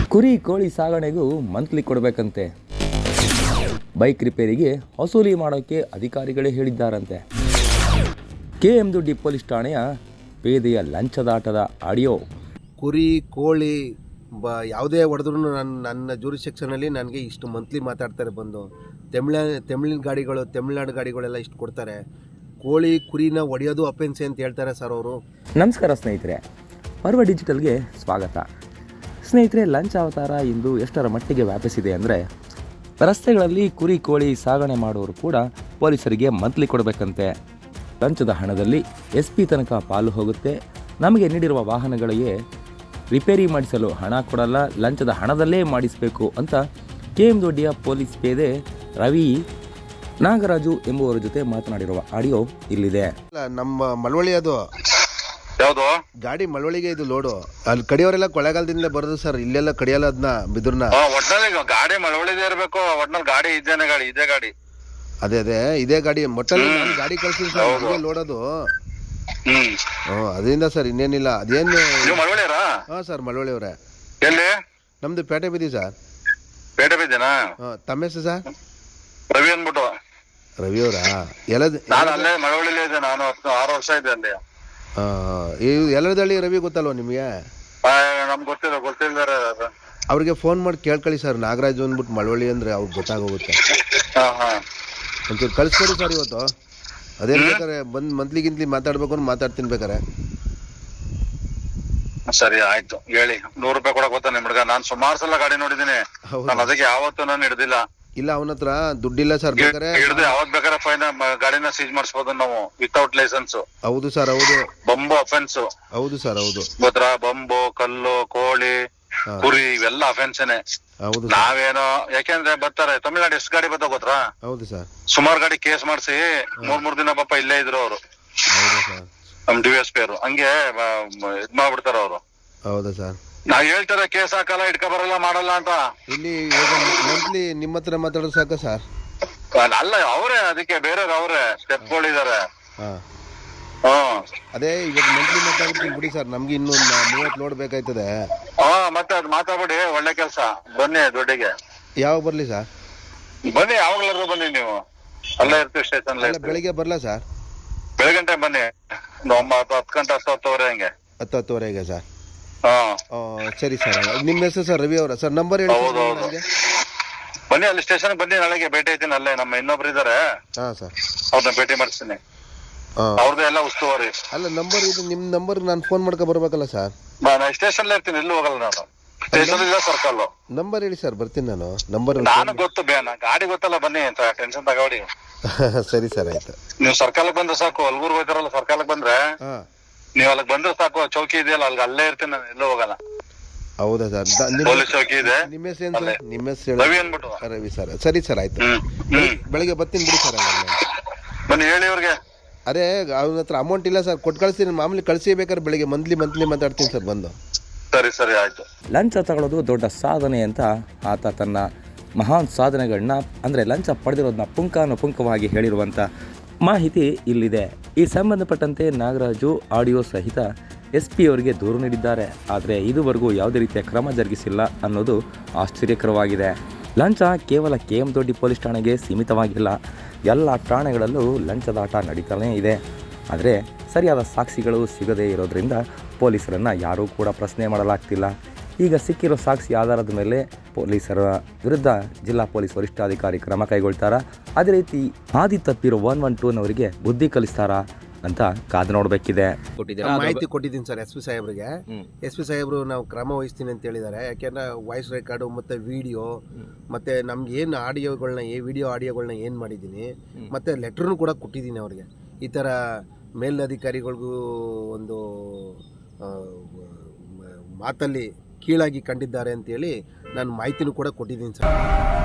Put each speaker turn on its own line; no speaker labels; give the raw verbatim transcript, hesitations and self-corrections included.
ಕುರಿ ಕೋಳಿ ಸಾಗಣೆಗೂ ಮಂತ್ಲಿ ಕೊಡಬೇಕಂತೆ. ಬೈಕ್ ರಿಪೇರಿಗೆ ವಸೂಲಿ ಮಾಡೋಕ್ಕೆ ಅಧಿಕಾರಿಗಳೇ ಹೇಳಿದ್ದಾರಂತೆ. ಕೆ ಎಂ ದೊಡ್ಡಿ ಪೊಲೀಸ್ ಠಾಣೆಯ ಪೇದೆಯ ಲಂಚದಾಟದ ಆಡಿಯೋ.
ಕುರಿ ಕೋಳಿ ಬ ಯಾವುದೇ ಹೊಡೆದ್ರೂ ನನ್ನ ನನ್ನ ಜೂರಿಸೆಕ್ಷನಲ್ಲಿ ನನಗೆ ಇಷ್ಟು ಮಂತ್ಲಿ ಮಾತಾಡ್ತಾರೆ ಬಂದು. ತಮಿಳ ತಮಿಳಿನ ಗಾಡಿಗಳು ತಮಿಳ್ನಾಡು ಗಾಡಿಗಳೆಲ್ಲ ಇಷ್ಟು ಕೊಡ್ತಾರೆ. ಕೋಳಿ ಕುರಿನ ಹೊಡೆಯೋದು ಅಫೆನ್ಸೆ ಅಂತ ಹೇಳ್ತಾರೆ ಸರ್ ಅವರು.
ನಮಸ್ಕಾರ ಸ್ನೇಹಿತರೆ, ಪರ್ವ ಡಿಜಿಟಲ್ಗೆ ಸ್ವಾಗತ. ಸ್ನೇಹಿತರೆ, ಲಂಚ ಅವತಾರ ಇಂದು ಎಷ್ಟರ ಮಟ್ಟಿಗೆ ವ್ಯಾಪಿಸಿದೆ ಅಂದರೆ, ರಸ್ತೆಗಳಲ್ಲಿ ಕುರಿ ಕೋಳಿ ಸಾಗಣೆ ಮಾಡೋರು ಕೂಡ ಪೊಲೀಸರಿಗೆ ಮಂತ್ಲಿ ಕೊಡಬೇಕಂತೆ. ಲಂಚದ ಹಣದಲ್ಲಿ ಎಸ್ ಪಿ ತನಕ ಪಾಲು ಹೋಗುತ್ತೆ. ನಮಗೆ ನೀಡಿರುವ ವಾಹನಗಳಿಗೆ ರಿಪೇರಿ ಮಾಡಿಸಲು ಹಣ ಕೊಡಲ್ಲ, ಲಂಚದ ಹಣದಲ್ಲೇ ಮಾಡಿಸಬೇಕು ಅಂತ ಕೆ ಎಂ ದೊಡ್ಡಿಯ ಪೊಲೀಸ್ ಪೇದೆ ರವಿ ನಾಗರಾಜು ಎಂಬುವರ ಜೊತೆ ಮಾತನಾಡಿರುವ ಆಡಿಯೋ ಇಲ್ಲಿದೆ.
ನಮ್ಮ ಮಳವಳ್ಳಿ ಅದು
ಯಾವುದು
ಗಾಡಿ ಮಳವಳ್ಳಿಗೆ ಇದು ಲೋಡು. ಅಲ್ಲಿ ಕಡಿಯವರೆಲ್ಲ ಕೊಳ್ಳೇಗಾಲದಿಂದ ಬರೋದು ಸರ್, ಇಲ್ಲೆಲ್ಲ ಕಡಿಯಲ್ಲ ಅದನ್ನ ಬಿದ್ರನ್ನ.
ಒಟ್ನಲ್ಲಿ ಗಾಡಿ ಮಳವಳ್ಳಿದೇ ಇರಬೇಕು. ಒಟ್ನಲ್ಲಿ ಗಾಡಿ ಇದೇನೆ, ಗಾಡಿ ಇದೇ ಗಾಡಿ
ಅದೇ ಅದೇ ಇದೇ ಗಾಡಿ ಮೊಟ್ಟಲ್ಲಿ ಗಾಡಿ ಕಳ್ಸಿದ್ವಿ ಸರ್, ಲೋಡೋದು.
ಹ್ಮ್
ಹ್ಮ್ ಅದರಿಂದ ಸರ್ ಇನ್ನೇನಿಲ್ಲ. ಅದೇನು
ಮಳವಳ್ಳಿಯರಾ?
ಹಾ ಸರ್, ಮಳವಳ್ಳಿ ಅವರೇ.
ಎಲ್ಲಿ?
ನಮ್ದು ಪೇಟೆ ಬಿದ್ದಿ ಸರ್.
ಪೇಟೆ ಬಿದ್ದೇನಾ?
ಹಾ, ತಮ್ಮ ಹೆಸರು ಸರ್?
ರವಿ ಅಂದ್ಬಿಟ್ಟು.
ರವಿ ಅವರಾ? ಎಲ್ಲ
ನಾನು ಅಲ್ಲೇ ಮಳವಳ್ಳಿಲೇ ಇದ್ದೆ. ನಾನು ಹತ್ತು ಆರು ವರ್ಷ ಇದ್ದೆ ಅಲ್ಲಿ.
ಎಲ್ಲರದಳ್ಳಿ ರವಿ ಗೊತ್ತಲ್ವ ನಿಮಗೆ?
ನಮ್ಗೆ ಗೊತ್ತಿಲ್ಲ, ಗೊತ್ತಿಲ್ದಾರೆ.
ಅವ್ರಿಗೆ ಫೋನ್ ಮಾಡಿ ಕೇಳ್ಕೊಳ್ಳಿ ಸರ್, ನಾಗರಾಜು ಅಂದ್ಬಿಟ್ಟು ಮಳವಳ್ಳಿ ಅಂದ್ರೆ ಅವ್ರಿಗೆ ಗೊತ್ತಾಗೋಗುತ್ತೆ. ಒಂಚೂರು ಕಳ್ಸ್ಕೊಡಿ ಸರ್ ಇವತ್ತು. ಅದೇನ್ ಬೇಕಾರೆ ಬಂದ್ ಮಂತ್ಲಿ ಗಿಂತ್ಲಿ ಮಾತಾಡ್ಬೇಕು ಅಂತ ಮಾತಾಡ್ತೀನಿ ಬೇಕಾರೆ.
ಸರಿ ಆಯ್ತು, ಹೇಳಿ. ನೂರು ರೂಪಾಯಿ ಕೊಡಕ್ ಗೊತ್ತಾ ನಿಮ್ ಹುಡ್ಗ? ನಾನ್ ಸುಮಾರು ಸಲ ಗಾಡಿ ನೋಡಿದೀನಿ. ನಾನು ಅದಕ್ಕೆ ಯಾವತ್ತೂ ನಾನು ಹಿಡ್ದಿಲ್ಲ.
ಇಲ್ಲ, ಅವನ ಹತ್ರ ದುಡ್ಡಿಲ್ಲ ಸರ್. ಬೇಕಾರೆ
ಹಿಡ್ದು ಯಾವತ್ ಬೇಕಾರೆ ಫೈನ್ ಗಾಡಿನ ಸೀಜ್ ಮಾಡಿಸಬಹುದು ನಾವು ವಿತೌಟ್ ಲೈಸೆನ್ಸ್.
ಹೌದು ಸರ್, ಹೌದು.
ಬಂಬು ಅಫೆನ್ಸ್.
ಹೌದು ಸರ್, ಹೌದು.
ಗೊತ್ತಾ? ಬಂಬು, ಕಲ್ಲು, ಕೋಳಿ, ಕುರಿ ಇವೆಲ್ಲ ಅಫೆನ್ಸೇನೆ.
ಹೌದು.
ನಾವೇನೋ ಯಾಕೆಂದ್ರೆ ಬರ್ತಾರೆ ತಮಿಳ್ನಾಡು ಎಷ್ಟು ಗಾಡಿ ಬರ್ತಾವ ಗೊತ್ತಾ?
ಹೌದು ಸರ್.
ಸುಮಾರು ಗಾಡಿ ಕೇಸ್ ಮಾಡಿಸಿ ಮೂರ್ ಮೂರ್ ದಿನ ಪಾಪ ಇಲ್ಲೇ ಇದ್ರು ಅವರು.
ಹೌದು ಸರ್.
ನಮ್ ಡಿ ಎಸ್ ಪಿ ಅವರು ಹಂಗೆ ಇದ್ ಮಾಡ್ಬಿಡ್ತಾರ ಅವರು.
ಹೌದಾ ಸರ್?
ನಾವ್ ಹೇಳ್ತಾರೆ ಕೇಸ್ ಹಾಕಲ್ಲ, ಇಟ್ಕ ಬರಲ್ಲ, ಮಾಡಲ್ಲ ಅಂತ.
ಇಲ್ಲಿ ಮಂತ್ಲಿ ನಿಮ್ಮ ಹತ್ರ ಮಾತಾಡೋದು ಸಾಕ ಸರ್?
ಅಲ್ಲ, ಅವರೇ ಅದಕ್ಕೆ ಬೇರೆಯವ್ರು ಅವರೇ ಸ್ಟೆಪ್ಗಳಿದಾರೆ.
ಹ್ಮ್ ಅದೇ ಇವಾಗ ಮಂತ್ಲಿ ಮಾತಾಡ್ತೀನಿ ಬಿಡಿ ಸರ್. ನಮ್ಗೆ ಇನ್ನು ಮೂವತ್ ಲೋಡ್ ಬೇಕಾಯ್ತದೆ.
ಹಾ, ಮತ್ತೆ ಅದ್ ಮಾತಾಡ್ಬಿಡಿ. ಒಳ್ಳೆ ಕೆಲ್ಸ. ಬನ್ನಿ ದೊಡ್ಡಿಗೆ.
ಯಾವಾಗ ಬರ್ಲಿ ಸರ್?
ಬನ್ನಿ, ಯಾವಾಗ್ಲಾದ್ರು ಬನ್ನಿ. ನೀವು ಅಲ್ಲೇ ಇರ್ತೀವಿ ಸ್ಟೇಷನ್.
ಬೆಳಿಗ್ಗೆ ಬರ್ಲಾ ಸರ್?
ಬೆಳಗಂಟೆ ಬನ್ನಿ. ಒಂಬತ್ತು ಹತ್ತು ಗಂಟೆ ಹತ್ತು ಹತ್ತುವರೆ ಹಂಗೆ. ಹತ್ತು
ಹತ್ತುವರೆಗೆ ಸರ್?
ಹಾ
ಸರಿ ಸರ್. ನಿಮ್ಮ ಹೆಸರು ಸರ್? ರವಿ ಅವರ ಸರ್? ನಂಬರ್ ಹೇಳಿ.
ಬನ್ನಿ, ಅಲ್ಲಿ ಸ್ಟೇಷನ್ ಬನ್ನಿ. ನಾಳೆಗೆ ಭೇಟಿ ಐತೀನಿ. ಅಲ್ಲೇ ನಮ್ಮ ಇನ್ನೊಬ್ರು ಇದಾರೆ.
ಹಾ ಸರ್,
ಅವ್ರನ್ನ ಭೇಟಿ ಮಾಡಿಸ್ತೀನಿ. ಅವ್ರದ್ದು ಎಲ್ಲ ಉಸ್ತುವಾರಿ.
ಅಲ್ಲ, ನಂಬರ್ ಇದು ನಿಮ್ ನಂಬರ್ ನಾನು ಫೋನ್ ಮಾಡ್ಕೊ ಬರ್ಬೇಕಲ್ಲ ಸರ್?
ನಾನು ಸ್ಟೇಷನ್ ಇರ್ತೀನಿ, ಎಲ್ಲೂ ಹೋಗಲ್ಲ ನಾನು. ಸ್ಟೇಷನ್ ಇಲ್ಲ, ಸರ್ಕಲ್.
ನಂಬರ್ ಹೇಳಿ ಸರ್, ಬರ್ತೀನಿ ನಾನು. ನಂಬರ್
ನಾನು ಗೊತ್ತು, ಬೇನ ಗಾಡಿ ಗೊತ್ತಲ್ಲ. ಬನ್ನಿ ಅಂತ ಟೆನ್ಷನ್ ತಗೋಡಿ.
ಸರಿ ಸರ್, ಆಯ್ತು.
ನೀವು ಸರ್ಕಲ್ ಬಂದ್ರೆ ಸಾಕು. ಅಲ್ಗೂರ್ ಹೋಯ್ತಾರಲ್ಲ, ಸರ್ಕಲ್ ಬಂದ್ರೆ ನೀವ್ ಅಲ್ಲಿಗೆ ಬಂದ್ರೆ ಸಾಕು. ಚೌಕಿ ಇದೆಯಲ್ಲ, ಅಲ್ಲಿಗೆ ಅಲ್ಲೇ ಇರ್ತೀನಿ ನಾನು, ಎಲ್ಲೂ ಹೋಗಲ್ಲ.
ಹೌದಾ ಸರ್?
ಪೊಲೀಸ್ ಚೌಕಿ ಇದೆ.
ನಿಮ್ಮ ಹೆಸರು ಏನು ಸರ್? ನಿಮ್ಮ ಹೆಸರು
ರವಿ ಅನ್ಬಿಟ್ಟು.
ರವಿ ಸರ್. ಸರಿ ಸರ್, ಆಯ್ತು. ಬೆಳಿಗ್ಗೆ ಬರ್ತೀನಿ ಬಿಡಿ ಸರ್.
ಬನ್ನಿ, ಹೇಳಿ ಅವ್ರಿಗೆ.
ಅದೇ ಅವನ ಹತ್ರ ಅಮೌಂಟ್ ಇಲ್ಲ ಸರ್, ಕೊಟ್ಟು ಕಳಿಸ್ತೀನಿ. ಮಾಮೂಲಿ ಕಳಿಸಿ ಬೇಕಾದ್ರೆ ಬೆಳಿಗ್ಗೆ ಮಂತ್ಲಿ ಮಂತ್ಲಿ ಮಾತಾಡ್ತೀನಿ ಸರ್ ಬಂದು.
ಸರಿ ಸರಿ, ಆಯ್ತು.
ಲಂಚ ತಗೊಳ್ಳೋದು ದೊಡ್ಡ ಸಾಧನೆ ಅಂತ ಆತ ತನ್ನ ಮಹಾನ್ ಸಾಧನೆಗಳನ್ನ ಅಂದರೆ ಲಂಚ ಪಡೆದಿರೋದನ್ನ ಪುಂಖಾನುಪುಂಖವಾಗಿ ಹೇಳಿರುವಂಥ ಮಾಹಿತಿ ಇಲ್ಲಿದೆ. ಈ ಸಂಬಂಧಪಟ್ಟಂತೆ ನಾಗರಾಜು ಆಡಿಯೋ ಸಹಿತ ಎಸ್ ಪಿ ಅವರಿಗೆ ದೂರು ನೀಡಿದ್ದಾರೆ. ಆದರೆ ಇದುವರೆಗೂ ಯಾವುದೇ ರೀತಿಯ ಕ್ರಮ ಜರುಗಿಸಿಲ್ಲ ಅನ್ನೋದು ಆಶ್ಚರ್ಯಕರವಾಗಿದೆ. ಲಂಚ ಕೇವಲ ಕೆ ಎಂ ದೊಡ್ಡಿ ಪೊಲೀಸ್ ಠಾಣೆಗೆ ಸೀಮಿತವಾಗಿಲ್ಲ, ಎಲ್ಲ ಠಾಣೆಗಳಲ್ಲೂ ಲಂಚದಾಟ ನಡೀತಾನೇ ಇದೆ. ಆದರೆ ಸರಿಯಾದ ಸಾಕ್ಷಿಗಳು ಸಿಗದೇ ಇರೋದ್ರಿಂದ ಪೊಲೀಸರನ್ನು ಯಾರೂ ಕೂಡ ಪ್ರಶ್ನೆ ಮಾಡಲಾಗ್ತಿಲ್ಲ. ಈಗ ಸಿಕ್ಕಿರೋ ಸಾಕ್ಷಿ ಆಧಾರದ ಮೇಲೆ ಪೊಲೀಸರ ವಿರುದ್ಧ ಜಿಲ್ಲಾ ಪೊಲೀಸ್ ವರಿಷ್ಠಾಧಿಕಾರಿ ಕ್ರಮ ಕೈಗೊಳ್ತಾರಾ, ಅದೇ ರೀತಿ ಹಾದಿ ತಪ್ಪಿರೋ ಒನ್ ಒನ್ ಟೂನವರಿಗೆ ಬುದ್ಧಿ ಕಲಿಸ್ತಾರಾ ಅಂತ ಕಾದು ನೋಡಬೇಕಿದೆ.
ಮಾಹಿತಿ ಕೊಟ್ಟಿದ್ದೀನಿ ಸರ್ ಎಸ್ ಪಿ ಸಾಹೇಬ್ರಿಗೆ. ಎಸ್ ಪಿ ಸಾಹೇಬ್ರು ನಾವು ಕ್ರಮ ವಹಿಸ್ತೀನಿ ಅಂತ ಹೇಳಿದ್ದಾರೆ. ಯಾಕೆಂದ್ರೆ ವಾಯ್ಸ್ ರೆಕಾರ್ಡು ಮತ್ತು ವಿಡಿಯೋ ಮತ್ತು ನಮ್ಗೆ ಏನು ಆಡಿಯೋಗಳನ್ನ ಏ ವಿಡಿಯೋ ಆಡಿಯೋಗಳನ್ನ ಏನು ಮಾಡಿದ್ದೀನಿ ಮತ್ತು ಲೆಟ್ರನ್ನು ಕೂಡ ಕೊಟ್ಟಿದ್ದೀನಿ ಅವ್ರಿಗೆ. ಈ ಥರ ಮೇಲಧಿಕಾರಿಗಳಿಗೂ ಒಂದು ಮಾತಲ್ಲಿ ಕೀಳಾಗಿ ಕಂಡಿದ್ದಾರೆ ಅಂತೇಳಿ ನಾನು ಮಾಹಿತಿನೂ ಕೂಡ ಕೊಟ್ಟಿದ್ದೀನಿ ಸರ್.